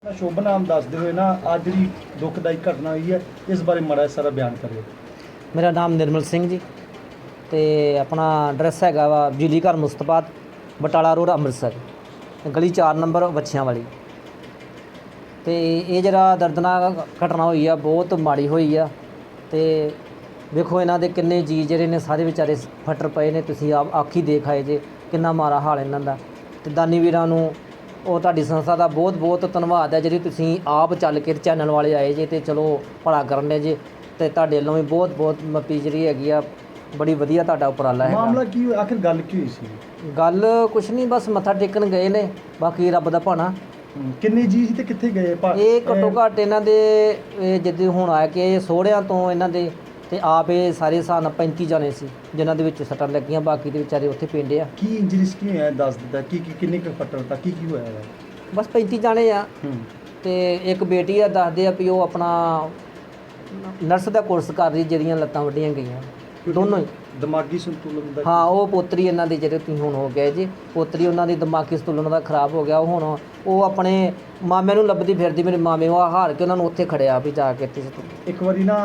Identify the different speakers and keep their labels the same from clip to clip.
Speaker 1: ਸ਼ੁਭ ਨਾਮ ਦੱਸਦੇ ਹੋਏ ਨਾ ਅੱਜ ਜਿਹੜੀ ਦੁਖਦਾਈ ਘਟਨਾ ਹੋਈ ਹੈ ਇਸ ਬਾਰੇ ਮਾੜਾ ਸਾਰਾ ਬਿਆਨ ਕਰਿਓ।
Speaker 2: ਮੇਰਾ ਨਾਮ ਨਿਰਮਲ ਸਿੰਘ ਜੀ ਤੇ ਆਪਣਾ ਐਡਰੈਸ ਹੈਗਾ ਵਾ ਬਿਜਲੀ ਘਰ ਮੁਸਤਫਾ ਬਟਾਲਾ ਰੋਡ ਅੰਮ੍ਰਿਤਸਰ, ਗਲੀ 4 ਨੰਬਰ ਵੱਛਿਆਂ ਵਾਲੀ। ਤੇ ਇਹ ਜਿਹੜਾ ਦਰਦਨਾਕ ਘਟਨਾ ਹੋਈ ਆ ਬਹੁਤ ਮਾੜੀ ਹੋਈ ਆ। ਤੇ ਵੇਖੋ ਇਹਨਾਂ ਦੇ ਕਿੰਨੇ ਜੀ ਜਿਹੜੇ ਨੇ ਸਾਰੇ ਵਿਚਾਰੇ ਫੱਟਰ ਪਏ ਨੇ, ਤੁਸੀਂ ਆਪ ਆਖੀ ਦੇਖ ਆਏ ਜੇ ਕਿੰਨਾ ਮਾੜਾ ਹਾਲ ਇਹਨਾਂ ਦਾ। ਤੇ ਦਾਨੀ ਵੀਰਾਂ ਨੂੰ ਉਹ ਤੁਹਾਡੀ ਸੰਸਥਾ ਦਾ ਬਹੁਤ ਬਹੁਤ ਧੰਨਵਾਦ ਹੈ ਜਿਹੜੀ ਤੁਸੀਂ ਆਪ ਚੱਲ ਕੇ ਚੈਨਲ ਵਾਲੇ ਆਏ ਜੇ ਤੇ ਚਲੋ ਭਲਾ ਕਰਨ ਦੇ ਜੇ। ਤੇ ਤੁਹਾਡੇ ਵੱਲੋਂ ਵੀ ਬਹੁਤ ਬਹੁਤ ਮੱਪੀ ਜਿਹੜੀ ਹੈਗੀ ਆ, ਬੜੀ ਵਧੀਆ ਤੁਹਾਡਾ ਉਪਰਾਲਾ ਹੈ।
Speaker 1: ਮਾਮਲਾ ਕੀ ਹੋਇਆ, ਆਖਿਰ ਗੱਲ ਕੀ ਹੋਈ ਸੀ?
Speaker 2: ਗੱਲ ਕੁਛ ਨਹੀਂ, ਬਸ ਮੱਥਾ ਟੇਕਣ ਗਏ ਨੇ, ਬਾਕੀ ਰੱਬ ਦਾ ਭਾਣਾ।
Speaker 1: ਕਿੰਨੇ ਜੀ ਸੀ ਤੇ ਕਿੱਥੇ ਗਏ?
Speaker 2: ਇਹ ਘੱਟੋ ਘੱਟ ਇਹਨਾਂ ਦੇ ਜਿੱਦਾਂ ਹੁਣ ਆਇਆ ਕਿ ਸੋਹਰਿਆਂ ਤੋਂ ਇਹਨਾਂ ਦੇ ਤੇ ਆਪ ਇਹ ਸਾਰੇ ਹਿਸਾਬ ਨਾਲ 35 ਜਾਣੇ ਸੀ ਜਿਨ੍ਹਾਂ ਦੇ ਵਿੱਚ ਸੱਟਾਂ ਲੱਗੀਆਂ, ਬਾਕੀ ਦੇ ਵਿਚਾਰੇ ਉੱਥੇ ਪਿੰਡ ਆ।
Speaker 1: ਕੀ ਇੰਜਰੀਸ ਕੀ ਹੋਇਆ ਦੱਸ ਦਿੱਤਾ? ਕੀ ਕਿੰਨੇ ਕੁ ਫੱਟੜ ਤਾਂ ਕੀ ਹੋਇਆ ਹੈ?
Speaker 2: ਬਸ 35 ਜਾਣੇ ਆ। ਤੇ ਇੱਕ ਬੇਟੀ ਆ, ਦੱਸਦੇ ਆ ਵੀ ਉਹ ਆਪਣਾ ਨਰਸ ਦਾ ਕੋਰਸ ਕਰ ਰਹੀ, ਜਿਹਦੀਆਂ ਲੱਤਾਂ ਵੱਢੀਆਂ ਗਈਆਂ ਦੋਨੋਂ ਹੀ।
Speaker 1: ਦਿਮਾਗੀ ਸੰਤੁਲਨ ਦਾ?
Speaker 2: ਹਾਂ, ਉਹ ਪੋਤਰੀ ਇਹਨਾਂ ਦੀ ਜਿਹੜੇ ਤੁਸੀਂ ਹੁਣ ਹੋ ਗਏ ਜੀ, ਪੋਤਰੀ ਉਹਨਾਂ ਦੀ ਦਿਮਾਗੀ ਸੰਤੁਲਨ ਦਾ ਖਰਾਬ ਹੋ ਗਿਆ। ਉਹ ਹੁਣ ਉਹ ਆਪਣੇ ਮਾਮੇ ਨੂੰ ਲੱਭਦੀ ਫਿਰਦੀ, ਮੇਰੇ ਮਾਮੇ ਉਹ ਹਾਰ ਕੇ ਉਹਨਾਂ ਨੂੰ ਉੱਥੇ ਖੜਿਆ ਵੀ ਜਾ ਕੇ ਇੱਥੇ।
Speaker 1: ਇੱਕ ਵਾਰੀ ਨਾ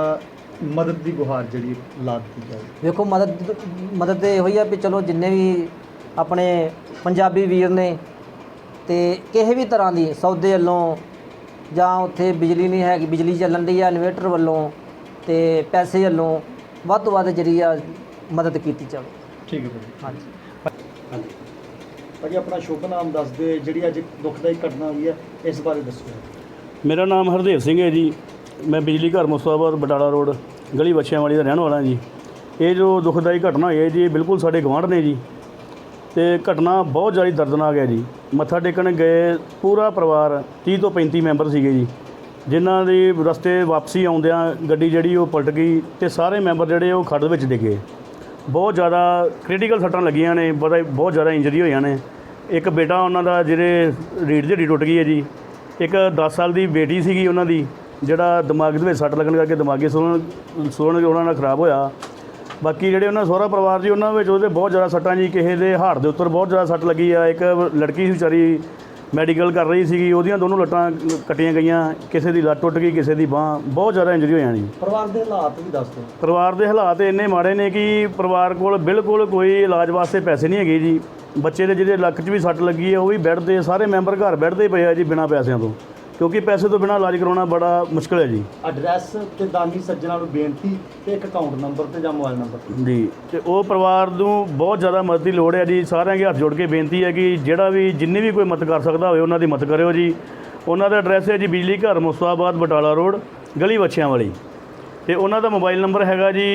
Speaker 1: ਮਦਦ ਦੀ ਗੁਹਾਰ ਜਿਹੜੀ ਲਾ ਦਿੱਤੀ ਜਾਵੇ।
Speaker 2: ਵੇਖੋ ਮਦਦ ਤੇ ਇਹੋ ਹੀ ਆ ਵੀ ਚਲੋ ਜਿੰਨੇ ਵੀ ਆਪਣੇ ਪੰਜਾਬੀ ਵੀਰ ਨੇ ਤੇ ਕਿਸੇ ਵੀ ਤਰ੍ਹਾਂ ਦੀ ਸੌਦੇ ਵੱਲੋਂ ਜਾਂ ਉੱਥੇ ਬਿਜਲੀ ਨਹੀਂ ਹੈਗੀ, ਬਿਜਲੀ ਚੱਲਣ ਦੀ ਆ ਇਨਵੇਟਰ ਵੱਲੋਂ ਤੇ ਪੈਸੇ ਵੱਲੋਂ ਵੱਧ ਤੋਂ ਵੱਧ ਜਿਹੜੀ ਆ ਮਦਦ ਕੀਤੀ ਜਾਵੇ।
Speaker 1: ਠੀਕ ਹੈ ਭਾਜੀ।
Speaker 2: ਹਾਂਜੀ
Speaker 1: ਭਾਜੀ ਆਪਣਾ ਸ਼ੁਭ ਨਾਮ ਦੱਸਦੇ, ਜਿਹੜੀ ਅੱਜ ਦੁਖਦਾਈ ਘਟਨਾ ਹੋਈ ਹੈ ਇਸ ਬਾਰੇ ਦੱਸੋ।
Speaker 3: ਮੇਰਾ ਨਾਮ ਹਰਦੇਵ ਸਿੰਘ ਹੈ ਜੀ। ਮੈਂ ਬਿਜਲੀ ਘਰ ਮੁਸਤਫਾਬਾਦ ਬਟਾਲਾ ਰੋਡ ਗਲੀ ਵੱਛਿਆਂ ਵਾਲੀ ਦਾ ਰਹਿਣ ਵਾਲਾ ਜੀ। ਇਹ ਜੋ ਦੁਖਦਾਈ ਘਟਨਾ ਹੋਈ ਹੈ ਜੀ, ਬਿਲਕੁਲ ਸਾਡੇ ਗੁਆਂਢ ਨੇ ਜੀ। ਤੇ ਘਟਨਾ ਬਹੁਤ ਜ਼ਿਆਦਾ ਦਰਦਨਾਕ ਹੈ ਜੀ। ਮੱਥਾ ਟੇਕਣ ਗਏ ਪੂਰਾ ਪਰਿਵਾਰ 30 ਤੋਂ 35 ਮੈਂਬਰ ਸੀਗੇ ਜੀ, ਜਿਨ੍ਹਾਂ ਦੀ ਰਸਤੇ ਵਾਪਸੀ ਆਉਂਦਿਆਂ ਗੱਡੀ ਜਿਹੜੀ ਉਹ ਪਲਟ ਗਈ ਤੇ ਸਾਰੇ ਮੈਂਬਰ ਜਿਹੜੇ ਉਹ ਖੱਡ ਵਿੱਚ ਡਿੱਗੇ। ਬਹੁਤ ਜ਼ਿਆਦਾ ਕ੍ਰਿਟੀਕਲ ਸੱਟਾਂ ਲੱਗੀਆਂ ਨੇ, ਬਹੁਤ ਜ਼ਿਆਦਾ ਇੰਜਰੀ ਹੋਈਆਂ ਨੇ। ਇੱਕ ਬੇਟਾ ਉਹਨਾਂ ਦਾ ਜਿਹੜੇ ਰੀੜ੍ਹ ਦੀ ਹੱਡੀ ਟੁੱਟ ਗਈ ਹੈ ਜੀ। ਇੱਕ 10 ਸਾਲ ਦੀ ਬੇਟੀ ਸੀਗੀ ਉਹਨਾਂ ਦੀ, ਜਿਹੜਾ ਦਿਮਾਗ ਦੇ ਵਿੱਚ ਸੱਟ ਲੱਗਣ ਕਰਕੇ ਦਿਮਾਗੀ ਸੁਣਨ ਉਹਨਾਂ ਨਾਲ ਖਰਾਬ ਹੋਇਆ। ਬਾਕੀ ਜਿਹੜੇ ਉਹਨਾਂ ਸਹੁਰਾ ਪਰਿਵਾਰ ਜੀ, ਉਹਨਾਂ ਵਿੱਚ ਉਹਦੇ ਬਹੁਤ ਜ਼ਿਆਦਾ ਸੱਟਾਂ ਜੀ। ਕਿਸੇ ਦੇ ਹਾੜ ਦੇ ਉੱਪਰ ਬਹੁਤ ਜ਼ਿਆਦਾ ਸੱਟ ਲੱਗੀ ਆ। ਇੱਕ ਲੜਕੀ ਸੀ ਵਿਚਾਰੀ, ਮੈਡੀਕਲ ਕਰ ਰਹੀ ਸੀਗੀ, ਉਹਦੀਆਂ ਦੋਨੋਂ ਲੱਟਾਂ ਕੱਟੀਆਂ ਗਈਆਂ। ਕਿਸੇ ਦੀ ਲੱਤ ਟੁੱਟ ਗਈ, ਕਿਸੇ ਦੀ ਬਾਂਹ, ਬਹੁਤ ਜ਼ਿਆਦਾ ਇੰਜਰੀ ਹੋਈਆਂ ਜੀ।
Speaker 1: ਪਰਿਵਾਰ ਦੇ ਹਾਲਾਤ ਵੀ ਦੱਸ ਦਿਓ।
Speaker 3: ਪਰਿਵਾਰ ਦੇ ਹਾਲਾਤ ਇੰਨੇ ਮਾੜੇ ਨੇ ਕਿ ਪਰਿਵਾਰ ਕੋਲ ਬਿਲਕੁਲ ਕੋਈ ਇਲਾਜ ਵਾਸਤੇ ਪੈਸੇ ਨਹੀਂ ਹੈਗੇ ਜੀ। ਬੱਚੇ ਦੇ ਜਿਹਦੇ ਲੱਕ 'ਚ ਵੀ ਸੱਟ ਲੱਗੀ ਹੈ ਉਹ ਵੀ ਬੈੱਡ 'ਤੇ, ਸਾਰੇ ਮੈਂਬਰ ਘਰ ਬੈੱਡ 'ਤੇ ਪਏ ਆ ਜੀ ਬਿਨਾਂ ਪੈਸਿਆਂ ਤੋਂ, ਕਿਉਂਕਿ ਪੈਸੇ ਤੋਂ ਬਿਨਾਂ ਇਲਾਜ ਕਰਾਉਣਾ ਬੜਾ ਮੁਸ਼ਕਿਲ ਹੈ ਜੀ।
Speaker 1: ਐਡਰੈਸ ਤੇ ਦਾਨੀ ਸੱਜਣਾ ਨੂੰ ਬੇਨਤੀ ਤੇ ਇੱਕ ਅਕਾਊਂਟ ਨੰਬਰ ਤੇ ਜਾਂ ਮੋਬਾਈਲ ਨੰਬਰ
Speaker 3: ਜੀ। ਤੇ ਉਹ ਪਰਿਵਾਰ ਨੂੰ ਬਹੁਤ ਜ਼ਿਆਦਾ ਮਦਦ ਦੀ ਲੋੜ ਹੈ ਜੀ। ਸਾਰਿਆਂ ਦੇ ਹੱਥ ਜੋੜ ਕੇ ਬੇਨਤੀ ਹੈ ਕਿ ਜਿਹੜਾ ਵੀ ਜਿੰਨੀ ਵੀ ਕੋਈ ਮਦਦ ਕਰ ਸਕਦਾ ਹੋਵੇ ਉਹਨਾਂ ਦੀ ਮਦਦ ਕਰਿਓ ਜੀ। ਉਹਨਾਂ ਦਾ ਐਡਰੈਸ ਹੈ ਜੀ ਬਿਜਲੀ ਘਰ ਮੁਸਤਫਾਬਾਦ ਬਟਾਲਾ ਰੋਡ ਗਲੀ ਵੱਛਿਆਂ ਵਾਲੀ। ਤੇ ਉਹਨਾਂ ਦਾ ਮੋਬਾਈਲ ਨੰਬਰ ਹੈਗਾ ਜੀ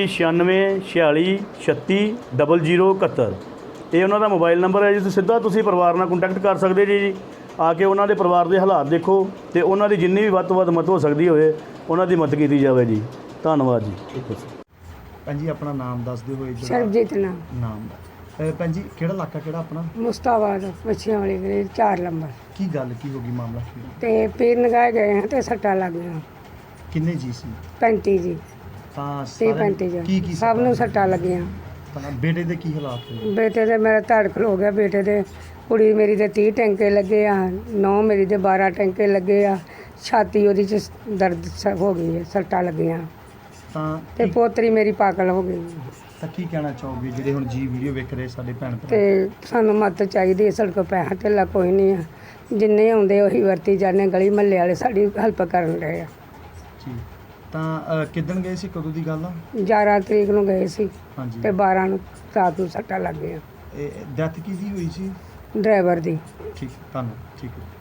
Speaker 3: 9646360071। ਇਹ ਉਹਨਾਂ ਦਾ ਮੋਬਾਈਲ ਨੰਬਰ ਹੈ ਜੀ। ਤੁਸੀਂ ਪਰਿਵਾਰ ਨਾਲ ਕੰਟੈਕਟ ਕਰ ਸਕਦੇ ਜੀ। ਆ ਕੇ ਉਹਨਾਂ ਦੇ ਪਰਿਵਾਰ ਦੇ ਹਾਲਾਤ ਦੇਖੋ ਤੇ ਉਹਨਾਂ ਦੀ ਜਿੰਨੀ ਵੀ ਵੱਧ ਤੋਂ ਵੱਧ ਮਦਦ ਹੋ ਸਕਦੀ ਹੋਵੇ ਉਹਨਾਂ ਦੀ ਮਦਦ ਕੀਤੀ ਜਾਵੇ ਜੀ। ਧੰਨਵਾਦ ਜੀ।
Speaker 1: ਭੈਣ ਜੀ ਆਪਣਾ ਨਾਮ ਦੱਸਦੇ ਹੋਏ।
Speaker 4: ਸਰਬਜੀਤ
Speaker 1: ਨਾਮ ਭੈਣ ਜੀ ਕਿਹੜਾ ਇਲਾਕਾ ਕਿਹੜਾ ਆਪਣਾ?
Speaker 4: ਮੁਸਤਾਬਾਦ ਵੱਛਿਆਂ ਵਾਲੀ ਗਲੀ 4 ਨੰਬਰ।
Speaker 1: ਕੀ ਗੱਲ ਕੀ ਹੋ ਗਈ, ਮਾਮਲਾ ਕੀ?
Speaker 4: ਤੇ ਪੀਰ ਨਗਾਏ ਗਏ ਹਾਂ ਤੇ ਸੱਟਾਂ ਲੱਗ ਗਈਆਂ।
Speaker 1: ਕਿੰਨੇ ਜੀ ਸੀ?
Speaker 4: 35 ਜੀ।
Speaker 1: ਤਾਂ
Speaker 4: 35 ਜੀ
Speaker 1: ਕੀ
Speaker 4: ਸਭ ਨੂੰ ਸੱਟਾਂ ਲੱਗੀਆਂ।
Speaker 1: ਤਾਂ ਬੇਟੇ ਦੇ ਕੀ ਹਾਲਾਤ ਹੋਏ?
Speaker 4: ਬੇਟੇ ਦੇ ਮੇਰਾ ਧੜ ਖਲੋ ਗਿਆ। ਬੇਟੇ ਦੇ ਕੁੜੀ ਮੇਰੀ ਦੇ 30 ਟੈਂਕੇ ਲੱਗੇ ਆ, ਨੌ ਮੇਰੀ ਦੇ 12 ਟੈਂਕੇ ਲੱਗੇ ਆ। ਛਾਤੀ ਉਹਦੀ 'ਚ ਦਰਦ ਹੋ ਗਈ ਹੈ, ਸੱਟਾਂ ਲੱਗੀਆਂ।
Speaker 1: ਤਾਂ
Speaker 4: ਤੇ ਪੋਤਰੀ ਮੇਰੀ ਪਾਗਲ ਹੋ ਗਈ।
Speaker 1: ਤਾਂ ਕੀ ਕਹਿਣਾ ਚਾਹੋਗੇ ਜਿਹੜੇ ਹੁਣ ਜੀ ਵੀਡੀਓ ਵੇਖ ਰਹੇ ਸਾਡੇ ਭੈਣ ਭਰਾ?
Speaker 4: ਤੇ ਸਾਨੂੰ ਮਦਦ ਚਾਹੀਦੀ ਹੈ। ਸਾਡੇ ਕੋਲ ਪੈਸਾ ਧੇਲਾ ਕੋਈ ਨਹੀਂ ਆ, ਜਿੰਨੇ ਆਉਂਦੇ ਉਹੀ ਵਰਤੀ ਜਾਂਦੇ। ਗਲੀ ਮਹੱਲੇ ਵਾਲੇ ਸਾਡੀ ਹੈਲਪ ਕਰਨ ਰਹੇ ਆ
Speaker 1: ਜੀ। ਤਾਂ ਕਿੱਦਣ ਗਏ ਸੀ, ਕਦੋਂ ਦੀ ਗੱਲ ਆ?
Speaker 4: 11 ਤਰੀਕ ਨੂੰ ਗਏ ਸੀ
Speaker 1: ਹਾਂਜੀ।
Speaker 4: ਤੇ 12 ਨੂੰ ਰਾਤ ਨੂੰ ਸੱਟਾਂ ਲੱਗ ਗਈਆਂ।
Speaker 1: ਇਹ ਡੈਥ ਕਿਹਦੀ ਹੋਈ ਸੀ?
Speaker 4: ਡਰਾਈਵਰ ਦੀ।
Speaker 1: ਠੀਕ, ਧੰਨਵਾਦ। ਠੀਕ ਹੈ।